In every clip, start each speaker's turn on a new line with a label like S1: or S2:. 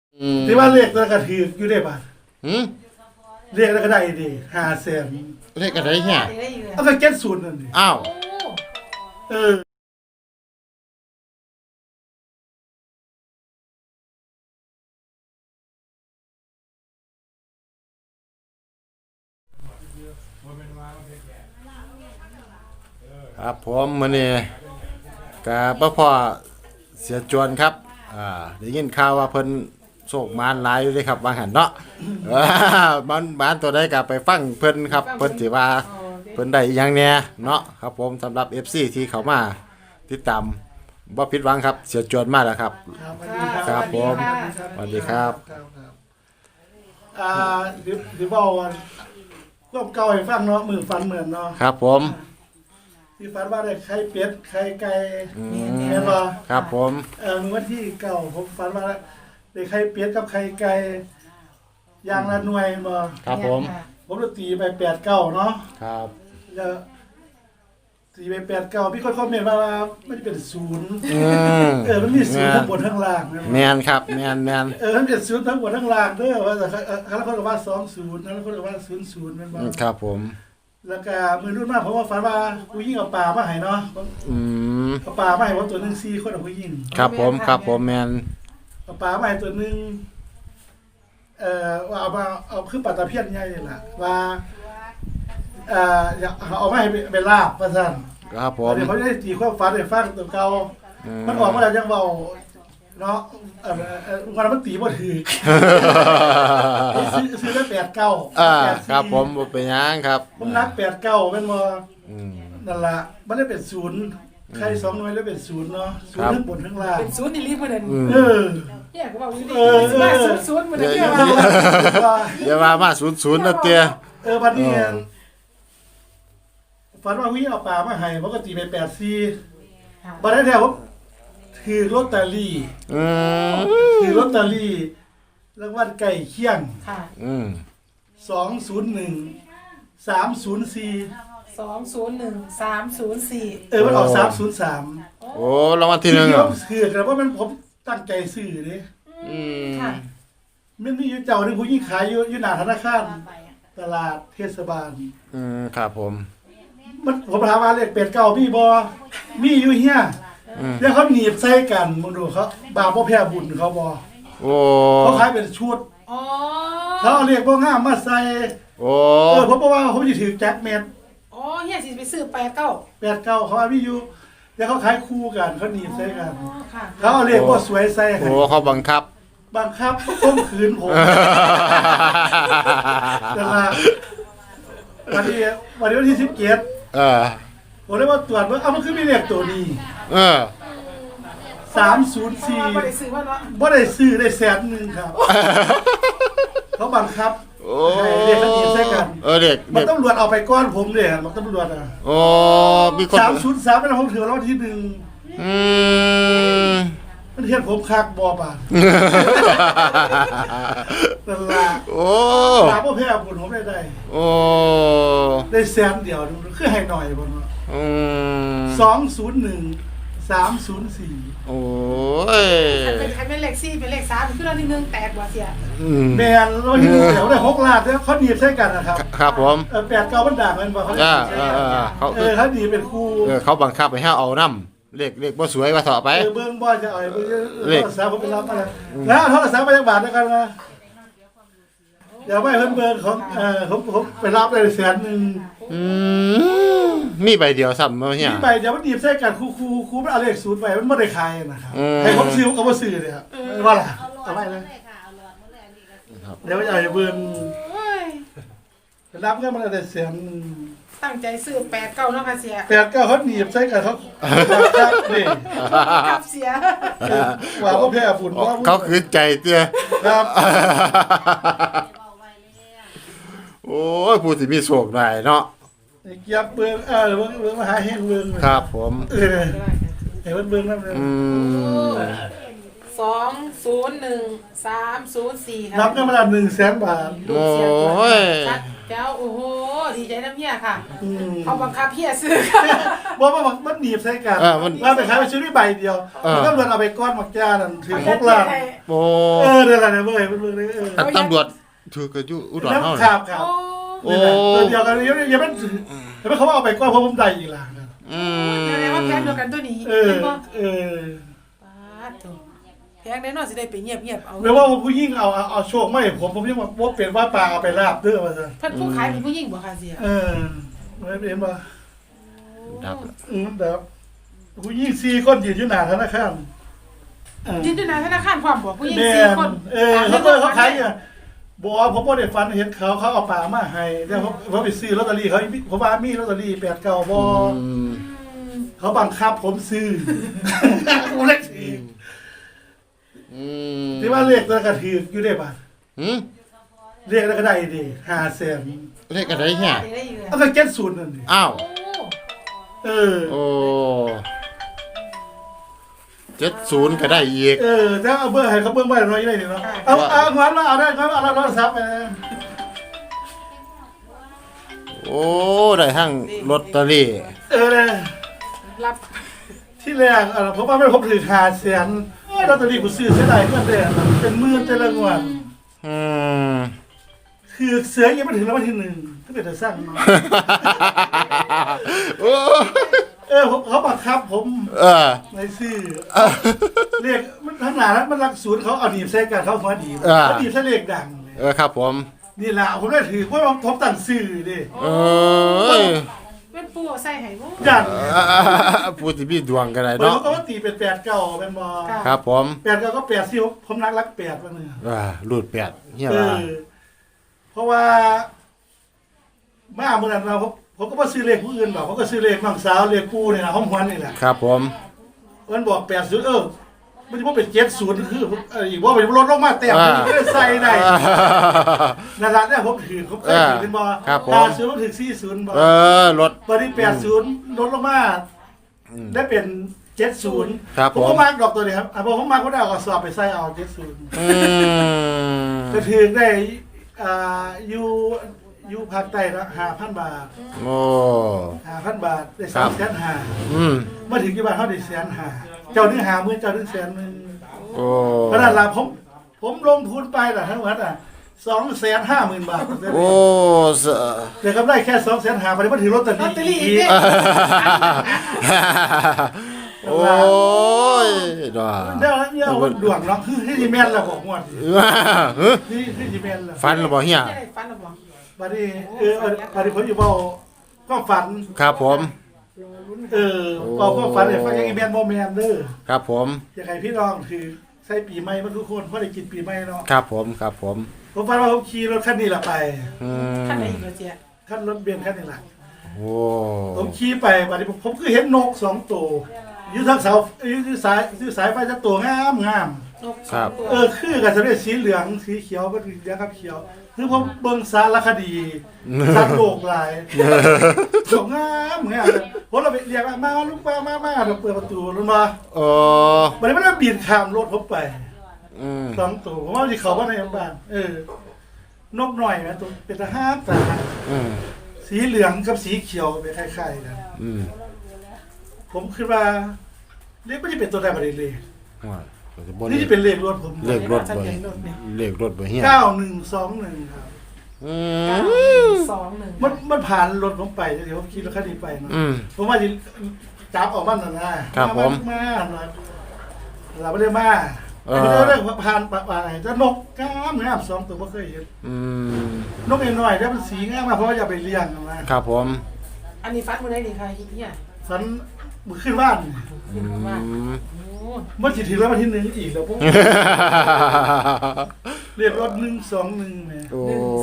S1: ที่ว่าเลขแล้วก็ถืออยู่ได้ป่ะ
S2: หืม
S1: เลขแล้วก็ได้ดี500,000
S2: เลขอะไรเนี่ย
S1: เอาก็70นั่นดิ
S2: อ้าว
S1: เออ
S2: ครับผมมื้อนี้ก็พ่อเสียจวนครับได้ยินข่าวว่าเพิ่นโชคมานหลายอยู่เด้ครับว่าหั่นเนาะมันตัวใดก็ไปฟังเพิ่นครับเพิ่นสิว่าเพิ่นได้อีหยังแหน่เนาะครับผมสำหรับ FC ที่เข้ามาติดตามบ่ผิดหวังครับเสียจวนมาแล้วครับ ครับผมสวัสดีครับ
S1: เดี๋ยวบอกว่าความเก่าให้ฟังเนาะมือฟันเหมือนเนาะ
S2: ครับผม
S1: ที่ฟันว่าได้ไข่เป็ดไข่ไก่
S2: อื
S1: แม่น
S2: ม
S1: บ่
S2: ครับผม
S1: มือวันที่เก่าผมฟันว่าได้ไข่เป็ดกับไข่ไก่อย่างละหน่วยบ่
S2: ครับผม
S1: ผมจะตีไป8-9เนาะ
S2: ครับ
S1: แล้วตีไป8-9พี่คนคอมเมนต์มาว่ามันเป็นศูนย์ มันมีศูนย์ทั้งบนทั้งล่างนะ
S2: แมนครับแมน
S1: มันเป็นศูนย์ทั้งบนทั้งล่างเด้อว่าแต่แล้วคนก็ว่า20แล้วคนก็ว่า00แม่นบ่
S2: ครับผม
S1: แล้วก็มือรุ่นมากผมว่าฝันว่าผู้หญิงเอาปลามาให้เนาะ
S2: อืม
S1: เอาปลามาให้ผมตัวหนึง4คนเอาผู้หญิง
S2: ครับผมแมน
S1: เอาปลามาให้ตัวหนึงว่าเอาคือปลาตะเพียนใหญ่นี่ล่ะว่าอยากเอามาให้เป็นลาบว่าซั่น
S2: ครับผม
S1: เดี๋ยวเขาจะได้ตีความฝันให้ฟังตัวเก่ามันออกมาแล้วยังเว้าเนาะวันนั้นมันตีบ่ถือซื้อได้89
S2: ครับผมบ่เป็นหยังครับ
S1: ผมนัก89แม่นบ่
S2: อืม
S1: นั่นล่ะมันได้เป็น0ใคร2หน่วยแล้วเป็น0เนาะ0ทั้งบนทั้งล่าง
S3: เป็นศูนย์อีลีเหมือนเดิม
S1: เออ
S3: เนี่ยก็บอกอยู่ดีมาศูนย์เหมือนเดิมเนี่ยว่า
S2: อย่าว่ามา00นะเตี้ย
S1: บัดนี้ฝันว่าวิ่งเอาปลามาให้ปกติไป84บัดนั้นแท้ผมถือลอตเตอรี่
S2: อืม
S1: ถือลอตเตอรี่รางวัลใกล้เคียง
S3: ค่ะ
S2: อืม
S1: 201 304
S3: 201304
S1: มันออก303
S2: โอ้รางวัลที่หนึ่ง
S1: ที่
S2: เหร
S1: ผ
S2: อ
S1: มซื้อแต่ว่ามันผมตั้งใจซื้อเด้
S2: อืม
S3: ค่ะ
S1: มันมีอยู่เจ้าหนึงผู้หญิงขายอยู่หน้าธนาคารตลาดเทศบาล
S2: ครับผม
S1: ผมถามว่าเลขเป็ดเก่ามีบ่มีอยู่เฮีย
S2: อืม
S1: แล้วเขาหนีบใส่กันมึงดูเขาบาปบ่แพ้บุญเขาบ่
S2: โอ้
S1: เขาขายเป็นชุด
S3: อ๋อ
S1: เขาเอาเลขบ่งามมาใส่
S2: โอ้
S1: ผมบอกว่าผมสิถือแจ็คเม็ด
S3: อ๋อเฮียสิไปซื้อ89
S1: เป็ดเก่าเขาว่ามีอยู่แล้วเขาขายคู่กันเขาหนีบใส่กัน
S3: อ๋อค่ะ
S1: เขาเอาเลขบ่สวยใส่ให้
S2: โอ้เขาบังคับ
S1: บังคับข่มขืนผมนั่นล่ะวันที่17
S2: เออ
S1: ผมเลยว่าตรวจว่ามันคือมีเลขตัวนี้
S2: เออ
S1: 304
S3: บ่ได้ซื้อว่าเนาะ
S1: บ่ได้ซื้อได้100,000ครับ เขาบังคับ
S2: โอ้
S1: ให้เด็กเขาหนีบใส่กัน
S2: เด็ก
S1: มันตำรวจเอาไปก้อนผมเลยมันตำรวจอ่ะ
S2: โอ้มีคน
S1: 303เป็นผมถือรางวัลที่
S2: อืม
S1: 1มันเฮ็ดผมคักบ่บาดนั่นล่ะ
S2: โอ้
S1: ตามบ่แพ้บุญผมได้
S2: โอ้
S1: ได้แสนเดียวคือให้หน่อยบ่เนาะ
S2: อืม
S1: 201 304
S2: โอ้ย
S3: คันเป็นเลข4เป็นเลข3คือเราที่1แตกบ่เสีย
S1: แม่นเราอยู่แถวได้6ล้านแล้วเขาหนีบใส่กันนะครับ
S2: ครับผม
S1: 8 9มันด่างมันบ่เขา
S2: เขา
S1: เขาหนีบเป็นคู่
S2: เขาบังคับให้เอาน้ำเลขบ่สวยว่าต่อไป
S1: เบิ้งบ่จะเอาเบิ้งโทรศัพท์ผมไปรับมาแล้วโทรศัพท์มาจากบ้านแล้วกันนะอย่าไปเพิ่นเบิ้งของผมไปรับได้100,000
S2: อืมมีใบเดียวซ้ำเมื่อเนี่ย
S1: นี่ไปเดี๋ยวมันหนีบใส่กันครูมันเอาเลขศูนย์ไปมันบ่ได้ขายนะครับ
S2: อืม
S1: ให้ผมซื้อก็บ่ซื้อเลยครับว่าล่ะเอาไปเลยเดี๋ยวจะเอาเบิ้ง
S3: โอ้ย
S1: ไปรับเงินมันได้100,000
S3: ตั้งใจซื้อ89เนาะค่ะเสีย
S1: 8 9เขาหนีบใส่กันเขาครับนี่
S3: กับเสีย
S1: ว่าบ่แพ้ฝุ่นว่า
S2: เขาคืนใจเตี้ย
S1: ครับ
S2: โอ้ยผู้ที่มีโชคได้เนาะ
S1: เกียบเบิ้งเบิ้งมาหาเฮงเบิ้ง
S2: ครับผม
S1: ให้เพิ่นเบิ้งนำเลย
S2: อืม
S3: 201304ค่ะ
S1: รับเงินมาละ100,000 บาท
S2: โอ้ย
S3: เจ้าโอ้โหดีใจน้ำเฮียค่ะ
S1: อืม
S3: เขาบังคับเฮียซื้อค่ะ
S1: ว่ามันหนีบใส่กันว่าไปขายไปซื้อด้วยใบเดียวมันก็รวนเอาไปก้อนหมักจ้านั่นถึง6 ล้าน
S2: โอ้
S1: เดี๋ยวอะไรเว้ยมันเลย
S2: อันตำรวจถือก็อยู่อุดรเฮา
S1: ครับครับ
S3: โอ้
S1: ตัวเดียวกันยังไม่แต่ไม่เขาว่าเอาไปก้อนเพราะผมได้อีกหลัง
S2: อืม
S3: แสดงว่าแพงเดียวกันตัวนี้
S1: เออ
S3: เห็นบ่
S1: เออ
S3: ปาดตัวแพงแน่นอนสิได้ไปเงียบเอา
S1: ไม่ว่าผู้ยิ่งเอาโชคไม่ผมยังว่าเป็นว่าปลาเอาไปลาบเด้อมาซะ
S3: เพิ่นผู้ขายเป็นผู้หญิงบ่ค่ะเสีย
S1: ไม่เป็นว่า
S2: ดับ
S1: แบบผู้ยิ่ง4 คนยืนอยู่หน้าธนาคาร
S3: ยืนอยู่หน้าธนาคารพร้อมบ่ผู้หญิง
S1: แม่
S3: 4 คน
S1: เขาขายเนี่ยบอกว่าผมบ่ได้ฟันเห็นเขาเอาปลามาให้แต่ผมไปซื้อลอตเตอรี่เขาผมว่ามีลอตเตอรี่8 9บ่ เขาบังคับผมซื้อ ผมเล็กถือที่ว่าเลขแล้วก็ถืออยู่ได้ป่ะ
S2: หืม
S1: เลขแล้วก็ได้ดิ500,000
S2: เลขอะไรเนี่ย
S3: ได้อยู่
S1: เอาก็เก็ตศูนย์นั่นดิ
S2: อ้าว
S3: โอ้
S1: เออ
S2: โอ้70ก็ได้อีก
S1: ถ้าเอาเบอร์ให้เขาเบิ่งไว้หน่อยได้ดิเนาะเอางอนแล้วเอาได้งอนเอาโทรศัพท์ไป
S2: โอ้ได้ทั้งลอตเตอรี่
S1: เลย
S3: รับ
S1: ที่แรกผมว่าไม่ผมถือ500,000ลอตเตอรี่กูซื้อเสียดายเงินเด้เป็นหมื่นแต่ละงวด
S2: อืม
S1: คือเสือยังไม่ถึงรางวัลที่1ถ้าเป็นจะสร้างมา
S2: โอ้
S1: เขาบังคับผม
S2: เออ
S1: ในซื้อเรียกมันทั้งหลายนั้นมันรักศูนย์เขาเอาหนีบใส่กันเขาหัวหนีบเขาหนีบใส่เลขดัง
S2: ครับผม
S1: นี่แหละผมได้ถือเพราะผมตั้งซื้อดิ
S2: เอ้ย
S3: เป็นปูเอาใส่ให้บ่
S1: ยัน
S2: ผู้ที่มีดวงก็ได้
S1: เนาะ
S2: เนาะ
S1: เขาก็ตีเป็น8 9เป็นบอ
S2: ครับผม
S1: 8 9ก็8ที่ผมรัก8มาเนี่ย
S2: รูดแปดเฮีย
S1: เอ
S2: ว่า
S1: อเพราะว่ามาเมื่อนั้นผมก็มาซื้อเลขผู้อื่นหรอกผมก็ซื้อเลขน้องสาวเลขกูเนี่ยนะห้องหวนนี่แหละ
S2: ครับผม
S1: มันบอก80มันจะว่าเป็น70คืออีกว่าเป็นลดลงมาแต้มไม่ได้ใส่ได้นั่นแหละเนี่ยผมถือผมเคยถือเป็นบอ80ผมถือ40บอ
S2: รถ
S1: ตอนนี้80ลดลงมาได้เป็น70
S2: ครับ
S1: ผ
S2: ผม ม
S1: ก็มาร์กดอกตัวนี้ครับผมมาร์กก็ได้เอากระสอบไปใส่เอา70
S2: อืม
S1: จะถือได้อยู่ภาคใต้ละ5,000 บาท
S2: โอ้
S1: 5,000 บาทได้
S2: ครับ
S1: 350,000
S2: อืม
S1: มาถึงที่บ้านเขาได้150,000เจ้านึง50,000เจ้านึง100,000
S2: โอ้
S1: เพราะนั้นล่ะผมลงทุนไปล่ะทั้งหมด250,000 บาท
S2: โอ้ส
S1: แต่กำไรแค่250,000ไปมาถือลอตเตอ
S3: ลอตเตอรี่
S1: รี่
S3: อีกเด้
S2: โอ้ยดอ
S1: เดี๋ยวดวงเนาะคือที่แม่นแล้วบอกงวดที่แม่นแล้ว
S2: ฟันหรือเปล่าเฮีย
S3: ได้ฟันหรือบ่
S1: บัดนี้บัดนี้ผมอยู่เว้าก็ฝัน
S2: ครับผม
S1: ก็ฝันให้ฟังยังแม่นบ่แม่นเด้อ
S2: ครับผม
S1: อยากให้พี่น้องคือใส่ปีใหม่มาทุกคนเพราะได้กินปีใหม่เนาะ
S2: ครับผมครับผม
S1: ผมฝันว่าผมขี่รถคันนี้ล่ะไป
S2: อื
S3: ท่านไหน
S2: ม
S3: อีกแล้วเจ๊
S1: คันรถเบนซ์คันนี้ล่ะ
S2: โอ้
S1: ผมขี่ไปบัดนี้ผมคือเห็นนก2ตัวอยู่ทางเสาอยู่สายไฟจักตัวงาม
S3: นกสองตัว
S1: คือกันจะได้สีเหลืองสีเขียวก็เหลืองกับเขียวคือผมเบิ่งสารคดีสัตว์โลกหลายสวยงามผมเราไปเรียกมาลูกมาเราเปิดประตูลงมา
S2: โอ้
S1: บัดนี้มันก็บินข้ามรถผมไป
S2: อืม
S1: 2ตัวผมว่าสิเข้ามาในบ้านนกหน่อยนะตัวเป็นทหารตา
S2: อืม
S1: สีเหลืองกับสีเขียวเป็นคล้ายๆกัน
S2: อืม
S1: ผมคิดว่าเลขไม่ได้เป็นตัวใดประเด็นเลย
S2: ว่าจะบ่
S1: นี่จะเป็นเลขรถผม
S2: เลขรถบ่เลขรถบ่เฮีย
S1: 9121ครับ
S2: อืม
S3: 2-1
S1: มันผ่านรถผมไปเดี๋ยวผมขี่รถคันนี้ไปเนาะ
S2: อืม
S1: ผมว่าจะจับออกมาหน่อยนะครับ
S2: ผม
S1: มาเราไม่ได้มาไม่ได้เรื่องผ่านป่าจะนกงาม2ตัวไม่เคยเห็น
S2: อืม
S1: นกน้อยๆแล้วมันสีงามมากเพราะว่าอย่าไปเลี้ยงนะครับ
S2: ผม
S3: อันนี้ฟันมื้อใดนี่ค่ะเฮีย
S1: ฝันมือขึ้นบ้าน
S3: ขึ้นว่า
S2: อืม
S3: โอ้
S1: เมื่อสิถึงแล้ววันที่1อีกแล้วผมเรียกรถ121เนี่ย
S2: โอ้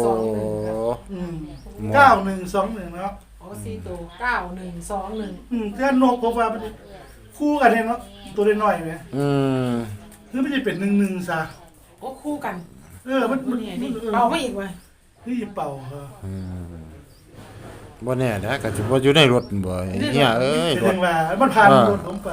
S1: 9121เนาะ
S3: โอ้4ตัว9121
S1: แค่นกผมว่ามันคู่กันเนาะตัวน้อยๆไหม
S2: อืม
S1: คือไม่ใช่เป็น11ซะ
S3: โอ้คู่กัน
S1: มัน
S3: นี่นี่เป่าไม่อีกว่ะ
S1: นี่เป่าครับ
S2: อืมบ่แน่นะก็สิบ่อยู่ในรถบ่เฮียเอ้ย
S1: เป็น
S2: รถ
S1: ยังไงมันผ่านรถผมไป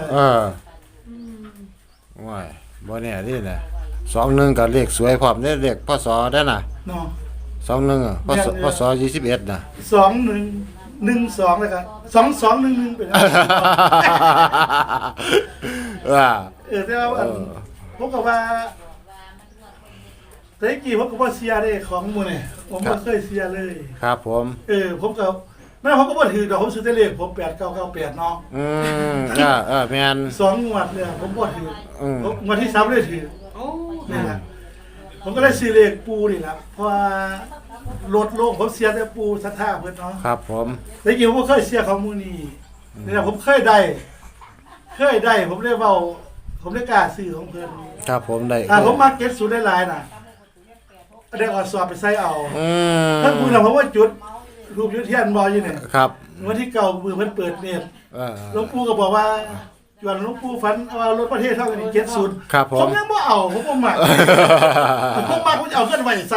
S2: ว้ายบ่แน่นี่นะ21ก็เลขสวยพร้อมเด้เลขพศได้น่ะ
S1: เนาะ
S2: 21อ่ะพศ21น่ะ
S1: 2112เลยครับ2211เป็น แต่ว่าผมก็ว่าแต่กี้ผมก็บ่เสียเด้ของหมู่นี่ผมบ่เคยเสียเลย
S2: ครับผม
S1: ผมก็แม่ผมก็บ่ถือดอกผมซื้อแต่เลขผม8998เนาะ
S2: แม่น
S1: 2งวดเนี่ยผมบ่ถือผมงวดที่3เลยถือ
S3: โอ้
S1: นี่ล่ะผมก็ได้ซื้อเลขปูนี่ล่ะเพราะว่ารถโลกผมเสียแต่ปูศรัทธาเพิ่นเนาะ
S2: ครับผม
S1: แต่กี้ผมบ่เคยเสียของหมู่นี้นี่ล่ะผมเคยได้ผมได้เว้าผมได้กล้าซื้อของเพิ่น
S2: ครับผมได้
S1: ผมมาเก็ตสูตรได้หลายน่ะได้เอาสอบไปใส่เอา
S2: ถ้า
S1: ถ้าคุณน่ะเพราะว่าจุดรูปยุทธเทียนบ่อยู่นี่
S2: ครับ
S1: วันที่เก่ามือเพิ่นเปิดเน็ต หลวงปู่ก็บอกว่าจวนหลวงปู่ฝันว่ารถประเทศเท่ากันนี่70
S2: ครับผม
S1: ยังบ่เอาผมบ่มักผมมักผมจะเอาเงินไว้ใส่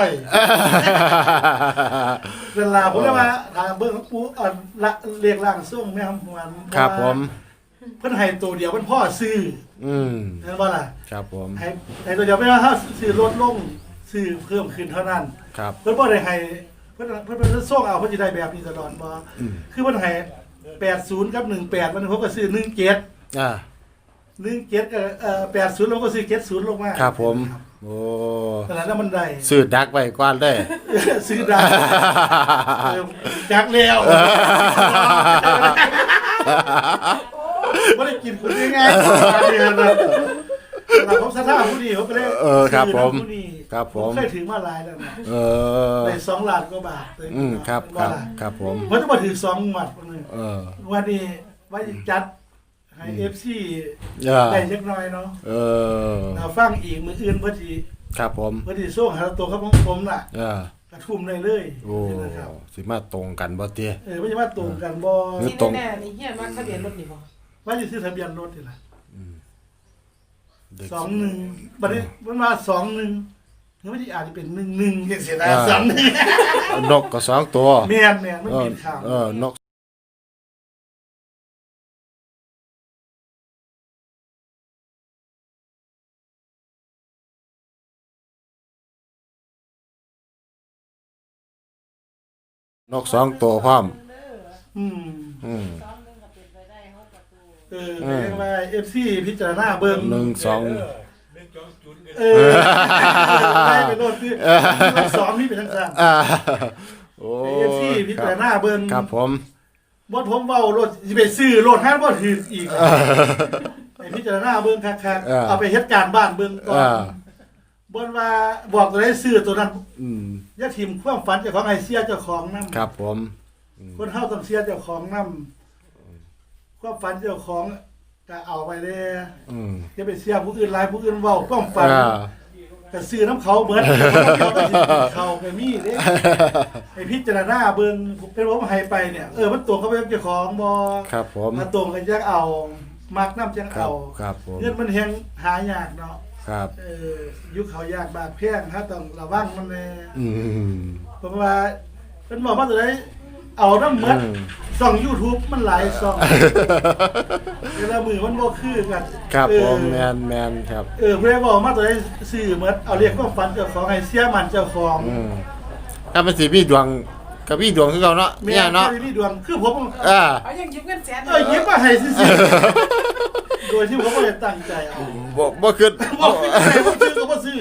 S1: เวลาผมเลยว่าถ้าเบิ่งหลวงปู่ละเรียกร่างทรงแม่คำหวน
S2: ครับผม
S1: เพิ่นให้ตัวเดียวเพิ่นพ่อซื้อ เห็นบ่ล่ะ
S2: ครับผม
S1: ให้ตัวเดียวไม่ว่าถ้าซื้อลดลงซื้อเพิ่มขึ้นเท่านั้น
S2: ครับ
S1: เพิ่นบ่ได้ให้เพิ่นส่งเอาเพิ่นสิได้แบบนี้ตลอดบ่คือเพิ่นให้80กับ18มันผมก็ซื้อ17 17ก็80แล้วก็ซื้อ70ลงมา
S2: ครับผม โอ้
S1: ขนาดนั้นมันได้
S2: ซื้อดักไว้ก่อนได้
S1: ซื้อได้จักแล้วบ่ได้กินคนง่ายๆเนี่ยนะแต่ผมศรัทธาผู้นี้ผมก็เลย
S2: ครับผม
S1: ผู้นี้
S2: ครับผม
S1: เคยถือมาหลายแล้วนะ
S2: อ
S1: ได้2ล้านกว่าบาทเลย
S2: ครับผม
S1: มันจะมาถือ2งวดนึง วันนี้ว่าจะจัดให้ FC ได้เล็กน้อยเนาะเราฟังอีกมืออื่นเพิ่นสิ
S2: ครับผม
S1: เพิ่นสิส่งหาตัวครับผมน่ะกระทุ่มได้เลย
S2: โอ้สิมาตรงกันบ่เตี้ย
S1: เพิ่นสิมาตรงกันบ่
S3: ที่แน่ๆนี่เฮียมันทะเบียนรถนี่บ่
S1: ว่าสิซื้อทะเบียนรถนี่ล่ะ21บัดนี้มันมา21คือมันสิอาจจะเป็น11จังซี่นะ21
S2: นกก็2ตัว
S1: แม่นมันบินข้าม
S2: นก2ตัวพร้อม
S1: เรียกว่า FC พิจารณาเบิ่ง ได้ไปโลดคือสอนนี่เป็นทั้งสั่น
S2: โอ้
S1: FC พิจารณาเบิ่ง
S2: ครับผม
S1: บ่ผมเว้ารถสิไปซื้อรถห้างบ่ถูกอีกไปพิจารณาเบิ่งคักๆเอาไปเฮ็ดการบ้านเบิ่งก่อนบ่ว่าบอกตัวใดซื้อตัวนั้นอย่าทิ่มความฝันเจ้าของให้เสียเจ้าของนำ
S2: ครับผม
S1: คนเฮาต้องเสียเจ้าของนำความฝันเจ้าของก็เอาไปเด้อย่าไปเสียผู้อื่นหลายผู้อื่นเว้าความฝันก็ซื้อน้ำเขาเบิดเขาก็มีเด้ให้พิจารณาเบิ่งเป็นผมให้ไปเนี่ยมันตรงกับเจ้าของบ่
S2: ครับผม
S1: มาตรงกันจังเอามักน้ำจังเอา
S2: ครับผม
S1: เงินมันแฮงหายากเนาะ
S2: ครับ
S1: ยุคเขายากบากแพงถ้าต้องระวังมันแน่เพราะว่าเพิ่นบอกว่าตัวใดเอาน้ำหมดช่อง YouTube มันหลายช่องเวลามือมันบ่คือกัน
S2: ครับผมแม่นครับ
S1: เพิ่นบอกมาตัวใดซื้อหมดเอาเรียกความฝันเจ้าของให้เสียมันเจ้าของ
S2: ถ้ามันสิมีดวงก็มีดวงคือเก่าเนาะเนี่ยเนาะ
S1: มีดวงคือผม
S3: เอายังยิ้มเงินแสน
S1: ยิ้มมาให้ซื่อๆโดยที่ผมบ่ได้ตั้งใจเอา
S2: บ่คิด
S1: บ่ซื้อก็บ่ซื้อ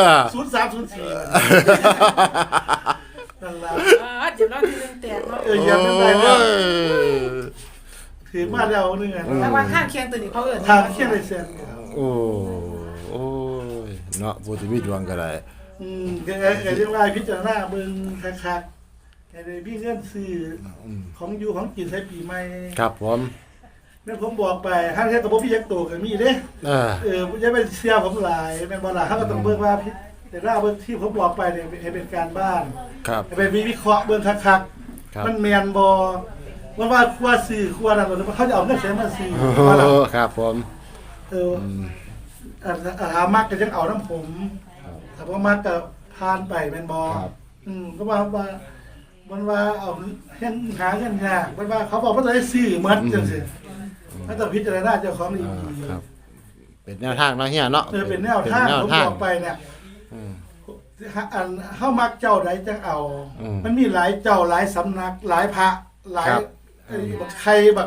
S1: 0304นั่นล่ะ
S3: เดี๋ยวเราที่นึงแตกเนาะ
S1: ยังไม่ได้แล้วถือมาแล้วนึงอ่ะ
S3: แต่ว่าข้างเคียงตัวนี้เขาเอิ้น
S1: ทางเคียงได้แสน
S2: โอ้ยเนาะผู้ที่มีดวงก็ได้
S1: ก็เรียกว่าพิจารณาเบิ่งคักๆให้ได้มีเงินซื้อของอยู่ของกินใช้ปีใหม่
S2: ครับผม
S1: แม่ผมบอกไปห้างแท้ก็บ่มีจักโตก็มีเด้อย่าไปเสียผมหลายแม่นบ่ล่ะเฮาก็ต้องเบิ่งว่าแต่ละเบิ่งที่ผมบอกไปเนี่ยให้เป็นการบ้าน
S2: ครับ
S1: ให้ไปวิเคราะห์เบิ่งคักๆมันแม่นบ่ว่าครัวซื้อครัวนั่นเขาจะเอาเงินใส่มาซื้อว่าล่ะ
S2: ครับผม
S1: ถ้ามักก็จังเอาน้ำผมถ้าบ่มักก็ผ่านไปแม่นบ่ก็ว่ามันว่าเอาเฮ็ดหาเงินยากมันว่าเขาบอกว่าจะได้ซื้อหมดจังซี่ถ้าต้องพิจารณาเจ้าของดีๆ
S2: ครับเป็นแนวทางเนาะเฮียเนาะ
S1: เป็นแนวทางผมบอกไปเนี่ยอันเฮามักเจ้าใดจังเอา มันมีหลายเจ้าหลายสำนักหลายพระหลายบักใครบัก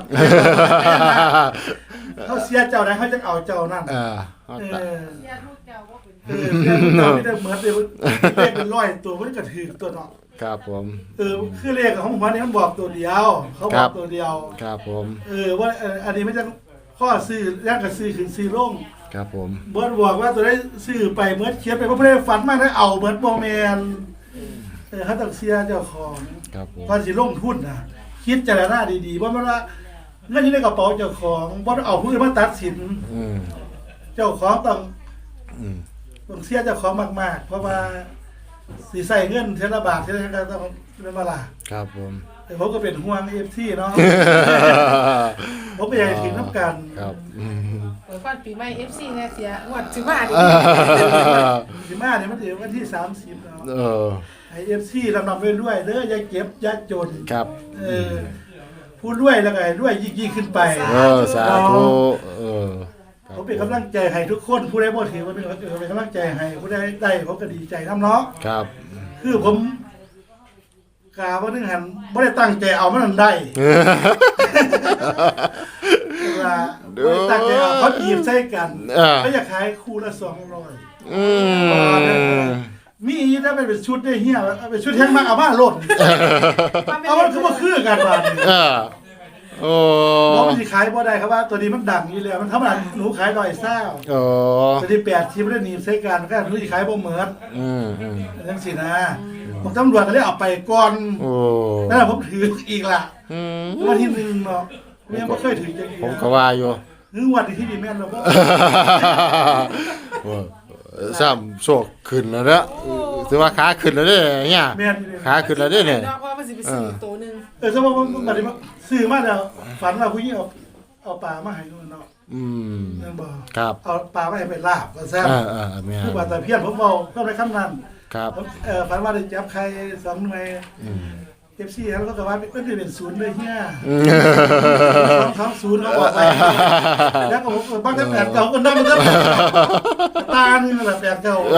S1: เขาเสียเจ้าใดเขาจังเอาเจ้านั่นเสียทุกเจ้าไม่ได้เหมือนเลขเป็นร้อยตัวมันก็ถือตัวเนาะ
S2: ครับผม
S1: คือเลขของผมนี่มันบอกตัวเดียวเขาบอกตัวเดียว
S2: ครับผม
S1: ว่าอันนี้ไม่จังข้อซื้อย่างกับซื้อขึ้นซื้อลง
S2: ครับผม
S1: เบิร์ดบอกว่าตัวได้ซื้อไปเมื่อเขียนไปเพราะเพื่อนฝันมากได้เอาเบิร์ดโมเมนเขาต้องเสียเจ้าของตอนสิลงทุนนะคิดเจรจาดีๆว่ามันว่าเงินที่ในกระเป๋าเจ้าของว่าเอาผู้อื่นมาตัดสินเจ้าของต้องเสียเจ้าของมากๆเพราะว่าสีใส่เงินเทละบาทเทละก็ต้องเป็นเวลา
S2: ครับผม
S1: แต่ผมก็เป็นห่วงFCเนาะผมไปอยากถึงน้ำกัน
S2: ครับ
S3: ก่อนปีใหม่ FC เนี่ยเสียงวดสิมาดิ
S1: สิมาเนี่ยมันถึงวันที่30แล้วไอ้ FC ลำๆด้วยเด้ออย่าเก็บอย่าจน
S2: ครับ
S1: พูดด้วยแล้วก็ด้วยยิ่งขึ้นไป
S2: สาธุ
S1: ผมเป็นกำลังใจให้ทุกคนผู้ใดบ่ถือว่าเป็นกำลังใจให้ผู้ใดได้ผมก็ดีใจน้ำเนาะ
S2: ครับ
S1: คือผมกาว่านึงหันไม่ได้ตั้งใจเอามันได้ไม่ตั้งใจเอาเขาจีบใส่กันเขาอยากขายคู่ละ200มีได้เป็นชุดได้เหี้ยเป็นชุดแห้งมากเอามาโลดเอามันคือกันบ้าน
S2: โอ้
S1: บอกมันสิขายบ่ได้ครับว่าตัวนี้มันดังอยู่แล้วมันธรรมดาหนูขาย100ซ่าตัวนี้8ชิ้นได้หนีบใส่กันก็หนูสิขายบ่เหมือนจังซี่นะผมตำรวจก็เลยเอาไปก่อนแล้วผมถืออีกล่ะวันที่1เนาะยังบ่เคยถือจังซี่
S2: ผมก็ว่าอยู่
S1: วันที่นี่แม่นแล้วบ่
S2: ซ้ำโชคขึ้นแล้วเด้อถือว่าขาขึ้นแล้วเด้เนี่ยขาขึ้นแล้วเด้เนี่ย
S3: เนาะเพราะว่ามันสิไปซื้อตัวนึง
S1: สมมุติว่าบัดนี้ซื้อมาแล้วฝันว่าผู้หญิงเอาปลามาให้นู่นเนาะนั่นบ่
S2: ครับ
S1: เอาปลามาให้ไปลาบว่าซั่นคือว่าแต่เพี้ยนผมเว้าก็ในคำนั้น
S2: ครับ
S1: ฝันว่าได้จับไข่2หน่วยFC แล้วก็ว่าเป็น0เลยเฮีย0เขาบอกไปแล้วก็บางแต่8เก่าก็นำแล้วตานี่แหละ8เก่า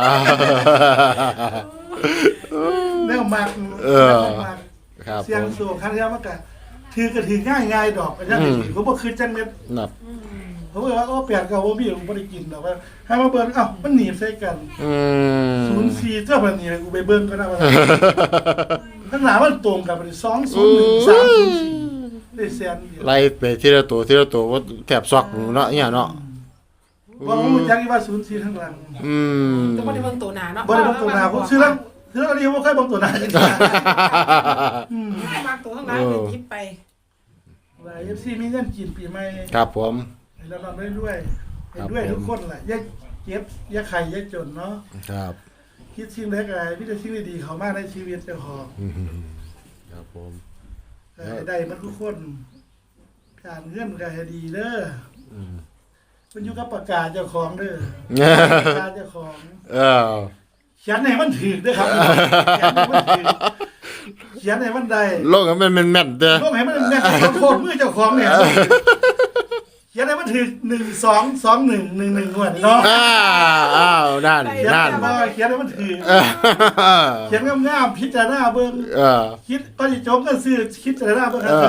S1: แนวมากเสียงสูงคันเดียวมันก็ถือก็ถือง่ายๆดอกอาจารย์ผมบ่คือจังเม็ดผมบอกว่า8เก่าบ่มีผมบ่ได้กินดอกว่าให้มาเบิ่งมันหนีบใส่กัน04เจ้าบัดนี้กูไปเบิ่งก็ได้ว่าข้างหน้ามันตรงกันไป201 304ได้แสน
S2: ไล่ไปทีละตัวว่าแถบซอกเนาะเนี่ยเนาะ
S1: ว่าผมจักว่า04ข้างหลัง
S3: แต่บ่ได้เบิ่งตัวหน้าเนาะ
S1: บ่ได้เบิ่งตัวหน้าผมซื้อแล้วอันนี้บ่เคยเบิ่งตัวหน้าจังซี่
S3: มาตัวข้างหลังหยิบไป
S1: หลาย FC มีเงินกินปีใหม่
S2: ครับผม
S1: ให้เราได้ด้วยทุกคนแหละอย่าเก็บอย่าไข่อย่าจนเนาะ
S2: ครับ
S1: คิดสิ่งใดก็มีแต่สิ่งดีๆเข้ามาในชีวิตเจ้าของ
S2: ครับผม
S1: ได้มันทุกคนการเงินก็ให้ดีเด้อมันอยู่กับปากกาเจ้าของเด้อปากกาเจ้าของเขียนให้มันถูกเด้อครับเขียนให้มันได้
S2: โลกให้มันแม่นเด้อ
S1: โลกให้มันแม่นโคตรมือเจ้าของเนี่ยเขียนให้มันถูก122111งวดเนาะ
S2: นั่น
S1: เขียนให้มันถูกเขียนงามๆพิจารณาเบิ่งคิดก็สิจบกันซื้อคิดพิจารณาเบิ่งครับ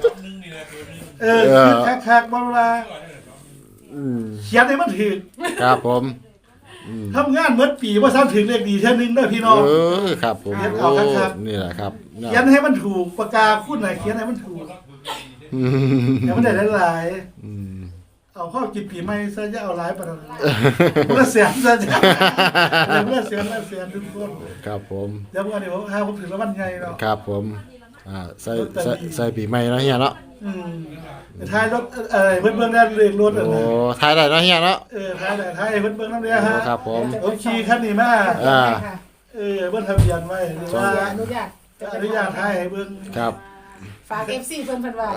S1: คือคักๆบ่เวลาเขียนให้มันถูก
S2: ครับผม
S1: ทำงานเหมือนปีว่าซ้ำถึงเลขดีเท่านึงเด้อพี่น้อง
S2: ครับผม
S1: เอาคัก
S2: ๆนี่แหละครับ
S1: เขียนให้มันถูกปากกาคุณน่ะเขียนให้มันถูกอย่ามันได้หลายเอาเข้ากินปีใหม่ซะจะเอาหลายปานนั้นบ่เสียซะจ้ะบ่เสียทุกคน
S2: ครับผม
S1: เดี๋ยววันนี้ผมถึงแล้ววันใหญ่เนาะ
S2: ครับผมใส่ปีใหม่เนาะเฮียเนาะ
S1: ท้ายรถเบิ่งได้เรียกรถ
S2: โอ้ท้ายได้เนาะเฮียเนาะ
S1: ท้ายเบิ่งนำเด้อฮะ
S2: ครับผม
S1: ผมขี่คันนี้มาเบิ่งทะเบียนไว้ว่าอนุญาตท้ายให้เบิ่ง
S2: ครับ
S3: ฝาก FC เพิ่นว่า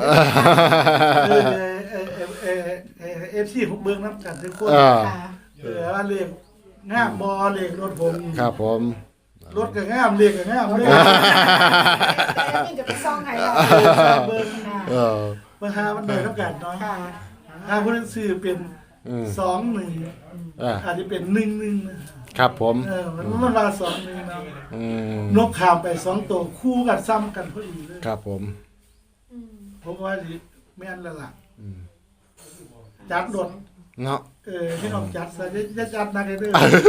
S1: FC ผมเบิ่งนำกันทุกคนว่าเลขงามบ่เลขรถผม
S2: ครับผม
S1: รถก็งามเลขก็งามเลย
S3: นี่จะไปซ่องให้
S1: เบิ่งมาหามันได้นำกันเนาะถ้าผู้นั้นซื้อเป็น 21
S2: อ่า
S1: อาจจะเป็น11นะครับ
S2: ผม
S1: มันว่า21นะ
S2: อืม
S1: นกข้ามไป2ตัวคู่กันซ้ำกันพอดีเลย
S2: ครับผม
S1: ผมว่าสิแม่นแล้วล่ะ
S2: อืม
S1: จัดรถ
S2: เนาะ
S1: พี่น้องจัดซะจะจัดนักเลยเด้อ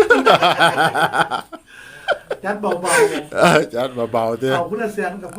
S1: จัดเบา
S2: จัดเบาๆ
S1: ๆ
S2: เด้อ
S1: เอาคุณเสียงกับพวก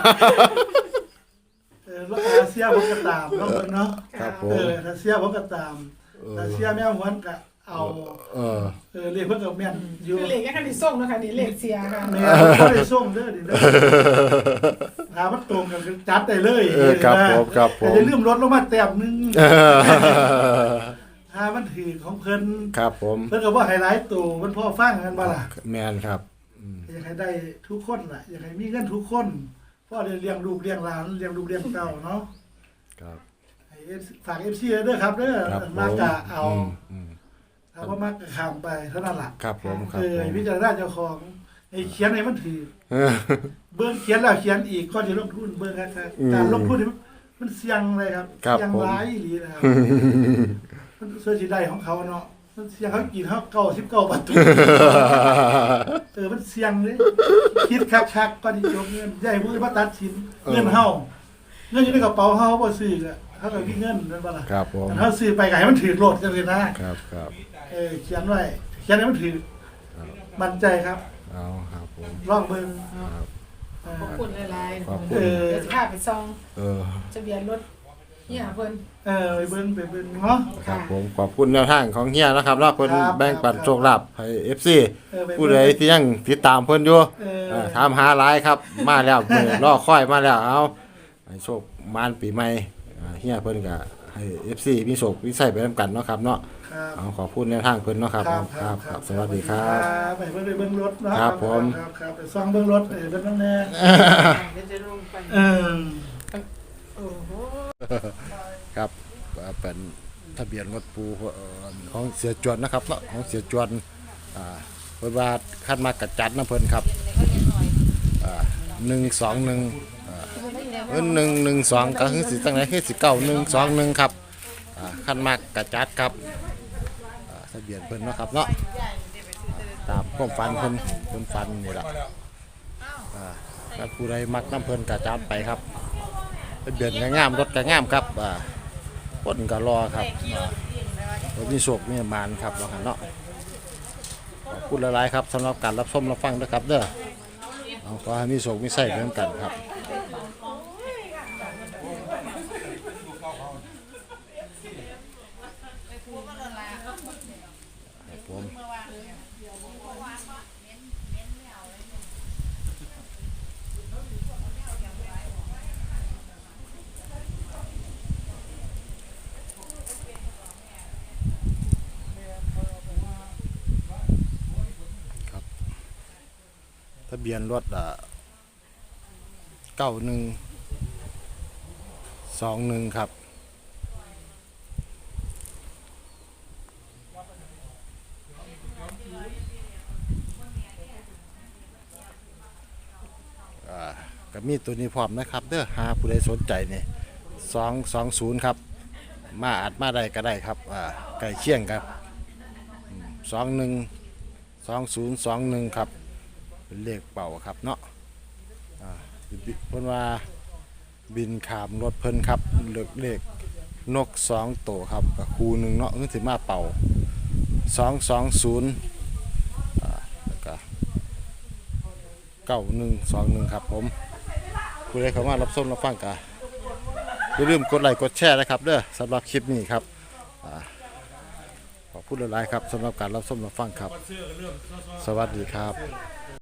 S1: แล้วอาเซียผมก็ตามเนาะเพิ่นเนาะ
S2: ครับผม
S1: อาเซียผมก็ตามอาเซียแม่หวนก็เอา
S2: เออ
S1: เรียกเพิ่นก็แม่นอยู่
S3: คือเลขแค่คันที่ส่งเนาะค่ะนี่เลขเสียค่ะ
S1: แม่บ่ได้ส่งเด้อดิเด้อถ้ามันตรงกันคือจัดได้เลย
S2: ครับผมครับผม
S1: แต่อย่าลืมลดลงมาแต้มนึง
S2: เออ
S1: ถ้ามันถือของเพิ่น
S2: ครับผม
S1: เพิ่นก็บ่ให้หลายตัวมันพอฟังกันบ่ล่ะ
S2: แมนครับ
S1: อยากให้ได้ทุกคนล่ะอยากให้มีเงินทุกคนพ่อได้เลี้ยงลูกเลี้ยงหลานเลี้ยงลูกเลี้ยงเต้าเนาะ
S2: ครับ
S1: ให้ฝาก FC เด้อครับเด้อ
S2: ครับผม
S1: มากะเอา
S2: อืม
S1: ถ้าบ่มากะข้ามไปเท่านั้นล่ะ
S2: ครับผมครับผม
S1: ให้พิจารณาเจ้าของให้เขียนให้มันถือ
S2: เออ
S1: เบิ่งเขียนแล้วเขียนอีกก่อนสิลงทุนเบิ่งครับการลงทุนนี่มันเสี่ยงเลยครับ
S2: ครับ
S1: เสี่ยง
S2: ผม
S1: หลายอีหลีนะครับมันส่วนสิได้ของเขาเนาะมันเสี่ยงเขากินเขา99ประตู มันเสี่ยงเลยคิดคักๆก่อนที่จบเงินใหญ่มือมาตัดชิ้นเงินเฮาเงินอยู่ในกระเป๋าเฮาบ่ซื้อก็เฮาก็มีเงินนั่นบ่ล่ะ
S2: ครับผม
S1: แต่เฮาซื้อไปก็ให้มันถือโลดจังซี่นะครับ
S2: ครับ
S1: เขียนไว้เขียนให้มันถือมั่นใจครับ
S2: เอาครับผม
S1: ลองเบิ่ง
S2: ครับ
S3: ขอบคุณหลายๆ
S2: ขอบคุณ
S3: เดี๋ยวจะพาไปซอง
S2: เออ
S3: ทะเบียนรถเนี่ยเพิ่น
S1: ไปเบิ่งเนาะ
S2: ครับผมขอบคุณแนวทางของเฮียนะครับแล้วเพิ่น
S1: ครับ
S2: แบ่งปัน
S1: ครับ
S2: โชคลาภให้ FC
S1: ไป
S2: ผู้ใดที่ยังติดตามเพิ่นอยู่ ถามหาหลายครับ มาแล้วมื้อรอค่อยมาแล้วเอาให้โชคมานปีใหม่เฮียเพิ่นก็ให้ FC มีโชคมีใส่ไปนํกันเนาะครับเนาะ
S1: ครับ
S2: เอาขอบคุณแนวทางเพิ่นเนาะครับครับสวัสดีครับ
S1: ไปเบิ่งรถเนาะ
S2: ครับผม
S1: ครับไปซ่องเบิ่งรถเบิ่งแน่
S3: เดี๋ยวจะลงไป โอ้โห
S2: ครับเป็นทะเบียนรถปูของเสียจวนนะครับเนาะของเสียจวนเพิ่นว่าคันมากระจัดนะเพิ่นครับ121112ก็คือสิจังได๋คือสิ9121ครับคันมากกระจัดครับทะเบียนเพิ่นเนาะครับเนาะตามความฝันเพิ่นฝันนี่ล่ะถ้าผู้ใดมักน้ำเพิ่นกระจัดไปครับทะเบียนก็งามรถก็งามครับคนก็รอครับมีโชคมีมานครับว่าหั่นเนาะขอบคุณหลายๆครับสำหรับการรับชมรับฟังนะครับเด้อเอาขอให้มีโชคมีไส้เหมือนกันครับผมทะเบียนรถ9121ครับก็มีตัวนี้พร้อมนะครับเด้อหาผู้ใดสนใจนี่220ครับมาอาจมาได้ก็ได้ครับใกล้เคียงครับ2021ครับเป็นเลขเป่าครับเนาะเพิ่นว่าบินขามรถเพิ่นครับเลขนก2ตัวครับกับคูหนึงเนาะคือสิมาเป่า220แล้วก็9121ครับผมผู้ใดเข้ามารับชมรับฟังก็อย่าลืมกดไลค์กดแชร์นะครับเด้อสำหรับคลิปนี้ครับขอบคุณหลายๆครับสำหรับการรับชมรับฟังครับสวัสดีครับ